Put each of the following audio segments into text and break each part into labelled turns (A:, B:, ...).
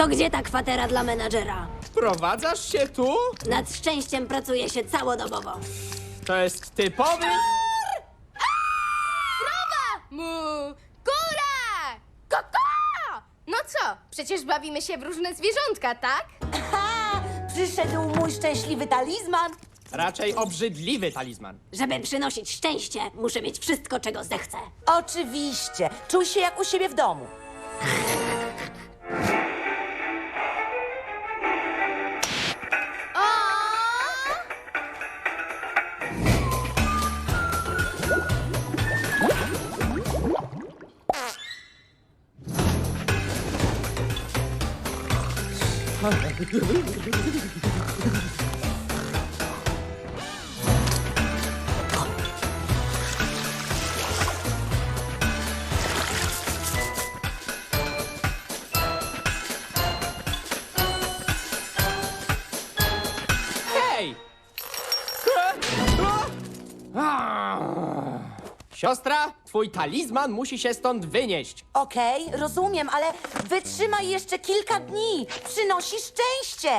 A: To gdzie ta kwatera dla menadżera?
B: Wprowadzasz się tu?
A: Nad szczęściem pracuje się całodobowo.
B: To jest typowy...
C: Mu! Kura! Koko! No co? Przecież bawimy się w różne zwierzątka, tak?
D: Ha! Przyszedł mój szczęśliwy talizman.
B: Raczej obrzydliwy talizman.
A: Żeby przynosić szczęście, muszę mieć wszystko, czego zechcę.
D: Oczywiście. Czuj się jak u siebie w domu.
B: Hej! Siostra, twój talizman musi się stąd wynieść.
D: Okej, rozumiem, ale wytrzymaj jeszcze kilka dni. Przynosi szczęście.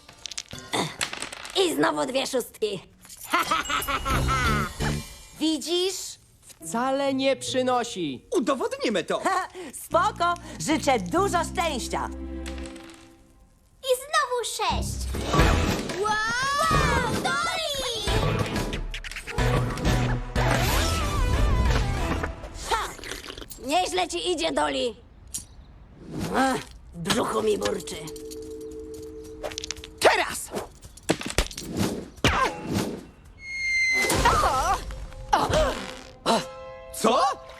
A: I znowu 2 szóstki.
D: Widzisz?
B: Wcale nie przynosi.
E: Udowodnimy to!
D: Ha, spoko. Życzę dużo szczęścia.
C: I znowu 6. Wow! Doli!
A: Nieźle ci idzie, Doli. Ach, w brzuchu mi burczy.
B: Teraz!
E: Co?